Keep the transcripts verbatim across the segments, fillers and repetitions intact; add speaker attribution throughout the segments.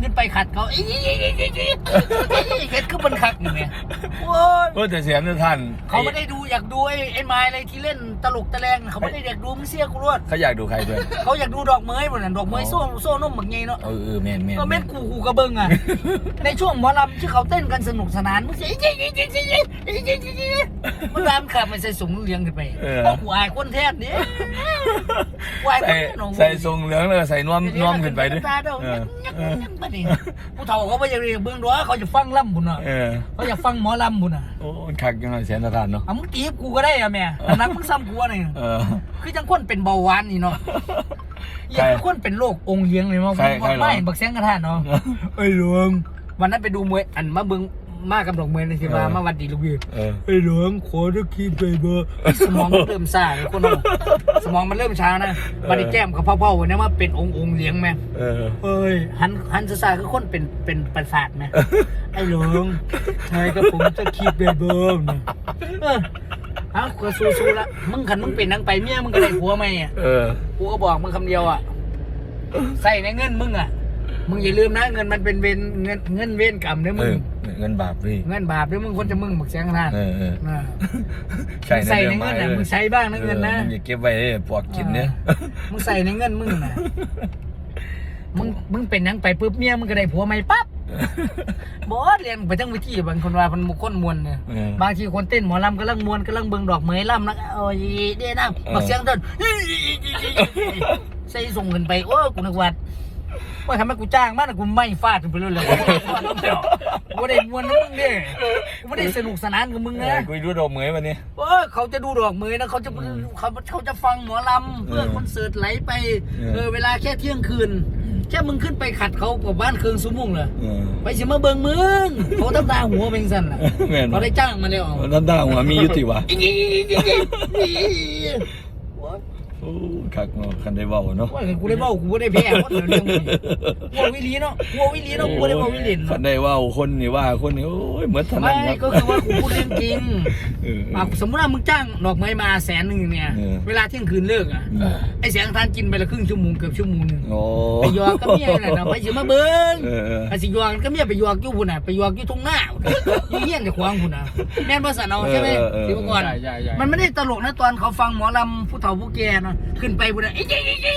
Speaker 1: ขึ้นไปขัดเขาเฮ็ดคือมันคักอยู่เนี่ยโอ้ย
Speaker 2: เออแต่เสียงท่าน
Speaker 1: เขาไม่ได้ดูอยากดูไอ้ไอ้ไม้อะไรที่เล่นตลกตะแลงเขาไม่ได้อยากดูมึงเสียกูรวด
Speaker 2: เขาอยากดูใครด้วย
Speaker 1: เขาอยากดูดอกเมยหมดน่ะดอกเมยโซ่โซ่นุ่มแบบไงเนาะ
Speaker 2: เออเออแมนแมน
Speaker 1: ก็แม่นกูกูกระเบิงอ่ะในช่วงหมอลำที่เขาเต้นกันสนุกสนานมึงเสียมันรำขับมันใส่สูงเลี้ยงขึ้นไปเพราะกูอายคนแท้เนี่ยกูอายคนแท้
Speaker 2: ใส่ทรงเหลืองเลยใส่นวมนวมขึ้นไปด้วย
Speaker 1: ผู้เฒ่าเขาไม่อยากเรียนเบื้องด้วยเขาจะฟังล่ำบุญอ่ะเขาอยากฟังหมอลำบุญอ่ะ
Speaker 2: โอ้คักยังไงเสียงท่านเนาะ
Speaker 1: อ่ะมึงตีกูก็ได้อะแม่นักมึงซ้ำกูอะไรคือจังคนเป็นเบาหวานนี่เนาะอย่างคนเป็นโรคองค์เยียงเลยมั้งไม่บักเสียงกระทานเนาะไอ้หลวงวันนั้นไปดูมวยอันมาเบิ้งมากับดอกเมยในที่มามาวันดีลูกพี่ไอ้หลวงขอตะกี้ไปเบอร์สมองมันเริ่มซ่าเลยคนเราสมองมันเริ่มช้านะบัดนี้แก้มกับพ่อๆวันนี้ว่าเป็นองค์องค์เลี้ยงแม่เอ้ยหันหันซ่าคือคนเป็นเป็นประสาทแม่ไอ้หลวงใช่กับผมจะคิดไปเบอร์เนี่ยเออฮะกูสู้ๆละมึงขันมึงเป็นนางไปเมียมึงก็ได้ผัวไหมอ่ะกูก็บอกมึงคำเดียวอ่ะใส่ในเงินมึงอ่ะมึงอย่าลืมนะเงินมันเป็นเวนเงินเงินเวนกรรมเนี่ยมึง
Speaker 2: เงินบาปพี่
Speaker 1: เงินบาปเนี่ยมึงคนจะมึงบักเสียงขนาดใส่
Speaker 2: ใส่
Speaker 1: ในเงินนะมึงใช้บ้างนะเงินนะ
Speaker 2: อย่าเก็บไว้ปวกกินเนี่ย
Speaker 1: มึงใส่ในเงินมึงนะมึงมึงเป็นยังไปปุ๊บเมียมึงก็ได้ผัวใหม่ปั๊บบอสเรียนไปทั้งวิธีบางคนว่ามันมุกคนมวนเนี่ยบางทีคนเต้นหมอลำกำลังมวนกำลังเบิ่งดอกเมยลำนะโอ้ยเด้นะบักเสียงเต้นใส่ส่งเงินไปโอ้กูนึกว่าว่าทำไมกูจ้างมากนะกูไม่ฟาดไปเลยเลยกูได้มวนนะมึงเนี่ยกูไม่ได้สนุกสนานกับมึงนะ
Speaker 2: กูดูดอกเหมยวันนี้
Speaker 1: เออเขาจะดูดอกเมยนะเขาจะเขาเขาจะฟังหมอลำเพื่อคอนเสิร์ตไหลไปเออเวลาแค่เที่ยงคืนแค่มึงขึ้นไปขัดเขากับบ้านเครื่องซุ้มมุ่งเลยไปสิมาเบิ่งมึงเขาทำตาหัวเป็นสั่นล่ะเขาได้จ้างมาแล้ว
Speaker 2: ทำตาหัวมียุติวะโอ้คักเนาะคันได้เว้าเนาะ
Speaker 1: ว่ากูได้เว้ากูบ่ได้แพ้คนเรื่องมึงกูวิลีเนาะกูวิลีเนาะกูได้เว้าวิลี
Speaker 2: คันได้เว้าคนนี่ว่าคนนี่โอ้ยเหมือนถนัด
Speaker 1: ไม่ก็คือว่ากูพูดเรื่องจริงสมมติว่ามึงจ้างดอกไม้มาแสนนึงเนี่ยเวลาเที่ยงคืนเลิกอ่ะไอ้แสงทานกินไปละครึ่งชั่วโมงเกือบชั่วโมงนึงไปยอก็เมียน่ะนะไปสิมาเบิ่งไอ้สิยอก็เมียไปยออยู่พุ่นน่ะไปยออยู่ทุ่งนาอยู่เฮียนจะขวางพุ่นน่ะแม่นบ่ซั่นเอาใช่มั้ยสิเมื่อก่อนมันไม่ได้ตลกนะตอนเขาฟังหมอลำผู้เฒ่าผู้แก่เนาะขึ้นไปบุญไอ้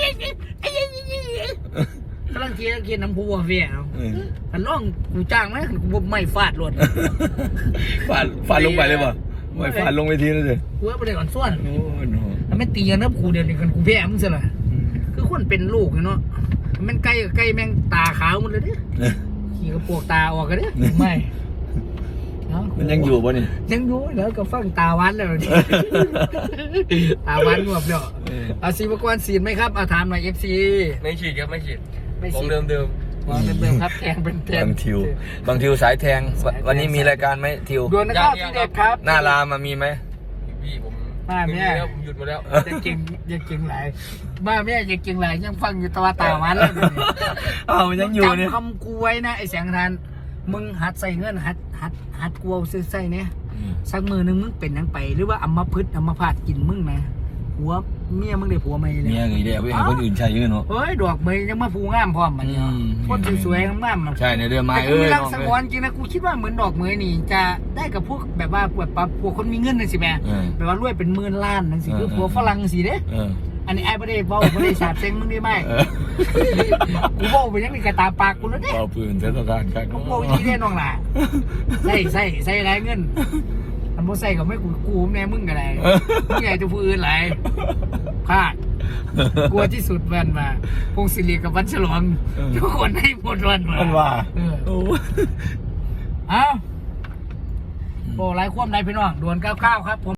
Speaker 1: กำลังเทียนเทียนน้ำพุวัวเฟี้ยเอาอันร้องกูจ้างไหมกูไม่ฟาดรถ
Speaker 2: ฟาดฟาดลงไปเลยป่ะไม่ฟาดลงไปทีนั่นเลย
Speaker 1: กูว่าไปเลยก่อนส่วนแล้วไม่ตีกันนะกูเดียวนี่กันกูแพ้มึงซะละคือคนเป็นลูกเนาะมันใกล้ใกล้แม่งตาขาวหมดเลยดิขี่กระโปรงตาออกกันดิไม่
Speaker 2: มันยังอยู่ป่ะนี่
Speaker 1: ยังอยู่แล้วก็ฟังตาวันแล้วนี่ตาวันรวบเนาะอาชีพกรฉีดไหมครับอาถามหน่อยเอฟซี
Speaker 3: ไม่ฉีดครับไม่ฉีด
Speaker 1: ของ
Speaker 3: เดิมเดิม
Speaker 1: ของเดิมครับแทงเป็นแทง
Speaker 2: บางทิวบางทิวสายแทงวันนี้มีรายการไหมทิว
Speaker 1: ดวลนะครับพี่เด็กครับ
Speaker 2: หน้ารามามีไหม
Speaker 3: พี่ผม
Speaker 1: มาแม่
Speaker 3: ผมหยุดมาแล้ว
Speaker 1: จะเก่งจะเก่งหลายมาแม่จะเก่งหลายยังฟังอยู่ตัวตาวันแล้ว
Speaker 2: อ้าวยังอยู่เนี่ย
Speaker 1: จำคำกูไว้นะไอ้แสงทานมึงหัดใส่เงินหัดหัดหัดกลัวซื้อใส่เนี่ยสักมือนึงมึงเป็นยังไปหรือว่าอัมพฤกษ์อัมพาตกินมึงนะหัวเมียมึงได้ผัวไม่เลย
Speaker 2: เมียไงเดี๋ยวไปให้คนอื่นใช้เยอะเนาะ
Speaker 1: เฮ้ยดอกเมยยังมาฟูงามพร้อมมันเนี่ยคนสวยๆงาม
Speaker 2: ๆใช่ในเรื่องไม้เออ
Speaker 1: แต่กูรักสังวรจริงนะกูคิดว่าเหมือนดอกเมยนี่จะได้กับพวกแบบว่าแบบพวกคนมีเงินนั่นสิแม่แบบว่ารวยเป็นหมื่นล้านนั่นสิคือผัวฝรั่งสิเด้อันนี้ไอ้ประเดี๋ยวบอกประเดี๋ยวสาบเซ็งมึงได้ไหมกูบอกไปยังมีกระตาปากกูแล้วเนี่ย
Speaker 2: เป่าปืนเทศกาลครับ
Speaker 1: กูบอกวิธีเล่นน้องหล่ะใส่ใส่ใส่ไรเงินอันโมใส่ก็ไม่กูกูแม่มึงกันไรมึงใหญ่จะพูดอื่นไรพลาดกลัวที่สุดวันมาพงศิริกับวันฉลองทุกคนให้หมดวันมา
Speaker 2: ว่า
Speaker 1: เอ้าโอ้ไรควมไรพี่น้องดวลเก้าเก้าครับผม